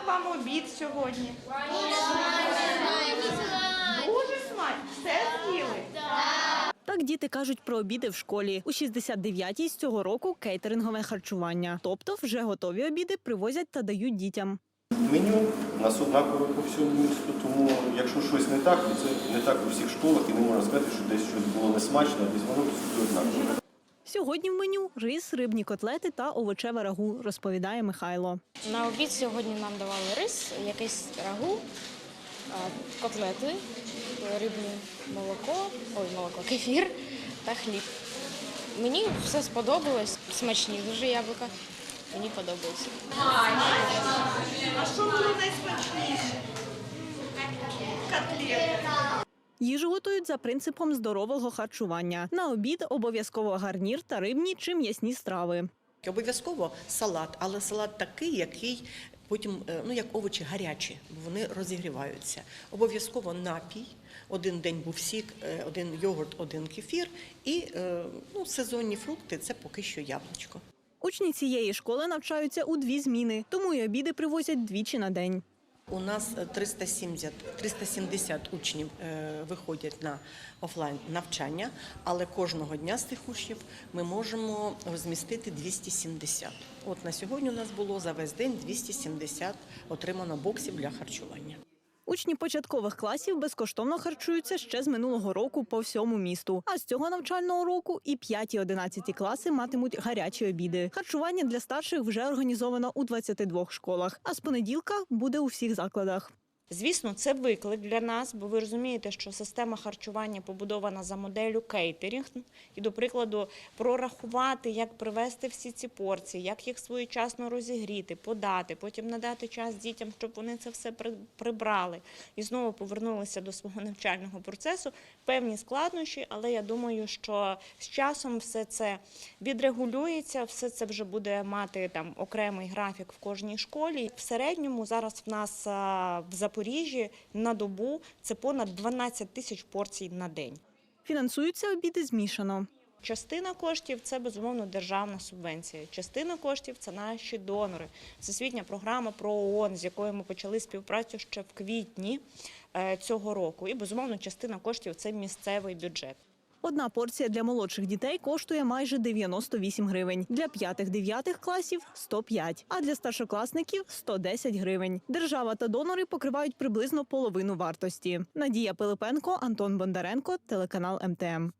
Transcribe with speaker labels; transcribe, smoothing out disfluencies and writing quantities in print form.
Speaker 1: вам обід сьогодні? Дуже смачно. Все з'їли?
Speaker 2: Так діти кажуть про обіди в школі. У 69-й з цього року кейтерингове харчування. Тобто вже готові обіди привозять та дають дітям.
Speaker 3: Меню у нас однакове по всьому місту, тому якщо щось не так, то це не так у всіх школах і не можна сказати, що десь щось було несмачно, а десь воно всюди однакове.
Speaker 2: Сьогодні в меню – рис, рибні котлети та овочеве рагу, розповідає Михайло.
Speaker 4: На обід сьогодні нам давали рис, якийсь рагу, котлети, рибне молоко, кефір та хліб. Мені все сподобалось, смачні дуже яблука, мені подобається.
Speaker 1: А що було найсмачніше? Котлети.
Speaker 2: Їжу готують за принципом здорового харчування. На обід обов'язково гарнір та рибні чи м'ясні страви.
Speaker 5: Обов'язково салат, але салат такий, який потім, як овочі гарячі, бо вони розігріваються. Обов'язково напій, один день був сік, один йогурт, один кефір і сезонні фрукти – це поки що яблучко.
Speaker 2: Учні цієї школи навчаються у 2 зміни, тому й обіди привозять двічі на день.
Speaker 5: У нас 370 учнів виходять на офлайн навчання, але кожного дня з тих учнів ми можемо розмістити 270. От на сьогодні у нас було за весь день 270 отримано боксів для харчування.
Speaker 2: Учні початкових класів безкоштовно харчуються ще з минулого року по всьому місту. А з цього навчального року і 5-11 класи матимуть гарячі обіди. Харчування для старших вже організовано у 22 школах, а з понеділка буде у всіх закладах.
Speaker 4: Звісно, це виклик для нас, бо ви розумієте, що система харчування побудована за моделлю кейтерінг. І, до прикладу, прорахувати, як привезти всі ці порції, як їх своєчасно розігріти, подати, потім надати час дітям, щоб вони це все прибрали. І знову повернулися до свого навчального процесу. Певні складнощі, але я думаю, що з часом все це відрегулюється, все це вже буде мати окремий графік в кожній школі. В середньому зараз в нас в Запоріжжі на добу це понад 12 тисяч порцій на день.
Speaker 2: Фінансуються обіди змішано.
Speaker 4: Частина коштів – це, безумовно, державна субвенція. Частина коштів – це наші донори. Всесвітня програма про ООН, з якою ми почали співпрацю ще в квітні цього року. І, безумовно, частина коштів – це місцевий бюджет.
Speaker 2: Одна порція для молодших дітей коштує майже 98 гривень, для 5-9 класів – 105, а для старшокласників – 110 гривень. Держава та донори покривають приблизно половину вартості. Надія Пилипенко, Антон Бондаренко, телеканал МТМ.